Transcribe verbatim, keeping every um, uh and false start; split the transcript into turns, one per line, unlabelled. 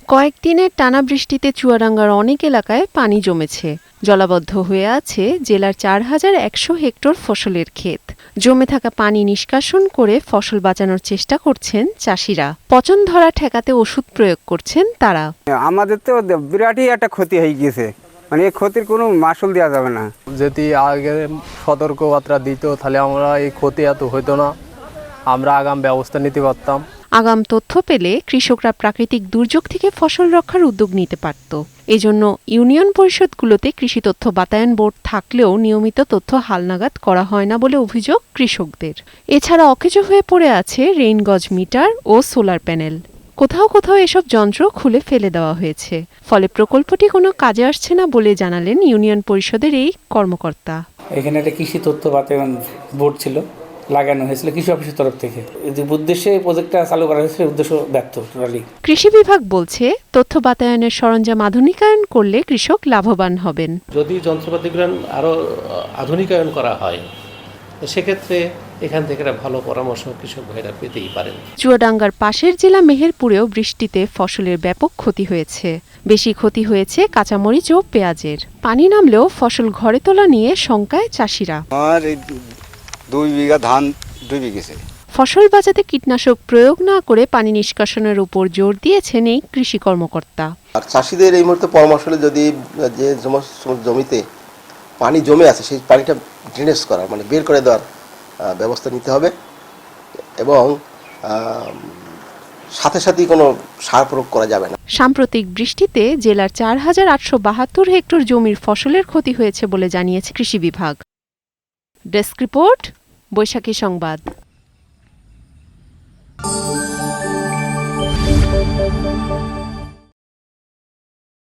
কয়েকদিনের টানা বৃষ্টিতে চুয়াডাঙ্গার অনেক এলাকায় পানি জমেছে। জলাবদ্ধ হয়ে আছে জেলার চার হাজার একশো হেক্টর ফসলের ক্ষেত। জমে থাকা পানি নিষ্কাশন করে ফসল বাঁচানোর চেষ্টা করছেন চাষিরা। পচন ধরা ঠেকাতে ওষুধ প্রয়োগ করছেন তারা।
আমাদের তো বিরাটই একটা ক্ষতি হয়ে গিয়েছে, মানে এই ক্ষতির কোনো মাসুল দেওয়া যাবে না।
যদি আগে সতর্কবার্তা দিত তাহলে আমরা এই ক্ষতি এত হতো না, আমরা আগাম ব্যবস্থা নিতে পারতাম।
আগাম তথ্য পেলে কৃষকরা প্রাকৃতিক দুর্যোগ থেকে ফসল রক্ষার উদ্যোগ নিতে পারত। এজন্য ইউনিয়ন পরিষদগুলোতে কৃষি তথ্য বাতায়ন বোর্ড থাকলেও নিয়মিত তথ্য হালনাগাদ করা হয় না বলে অভিযোগ কৃষকদের। এছাড়া অকেজো হয়ে পড়ে আছে রেইনগজ মিটার ও সোলার প্যানেল। কোথাও কোথাও এসব যন্ত্র খুলে ফেলে দেওয়া হয়েছে, ফলে প্রকল্পটি কোনো কাজে আসছে না বলে জানালেন ইউনিয়ন পরিষদের এই কর্মকর্তা।
এখানে একটা কৃষি তথ্য বাতায়ন বোর্ড ছিল, লাগানো হয়েছিল কৃষি অফিসের তরফ থেকে। যে উদ্দেশ্যে এই প্রজেক্টটা চালু করা হয়েছিল, উদ্দেশ্য ব্যর্থ টোটালি।
কৃষি বিভাগ বলছে তথ্য বাতায়নের সরঞ্জাম আধুনিকায়ন করলে কৃষক লাভবান হবেন।
যদি যন্ত্রপাতিগুলো আরো আধুনিকায়ন করা হয় সেক্ষেত্রে এখান থেকে একটা ভালো পরামর্শ কৃষক ভাইরা পেতেই পারেন।
চুয়াডাঙ্গার পাশের জেলা মেহেরপুরেও বৃষ্টিতে ফসলের ব্যাপক ক্ষতি হয়েছে। বেশি ক্ষতি হয়েছে কাঁচামরিচ ও পেঁয়াজের। পানি নামলেও ফসল ঘরে তোলা নিয়ে শঙ্কায় চাষিরা।
আমার এই দুই বিঘা ধান দুই বিঘেছে।
ফসল বাঁচাতে কীটনাশক প্রয়োগ না করে পানি নিষ্কাশনের উপর জোর দিয়েছেন এই কৃষি কর্মকর্তা।
আর চাষিদের এই মুহূর্তে পরামর্শ হলো যদি যে জমিতে পানি জমে আছে সেই পানিটা ড্রেনেজ করা, মানে বের করে দেওয়ার ব্যবস্থা নিতে হবে এবং সাথে সাথে কোনো সার প্রয়োগ করা যাবে না।
সাম্প্রতিক বৃষ্টিতে জেলার চার হাজার আটশো বাহাত্তর হেক্টর জমির ফসলের ক্ষতি হয়েছে বলে জানিয়েছে কৃষি বিভাগ। ডেস্ক রিপোর্ট, বৈশাখী সংবাদ।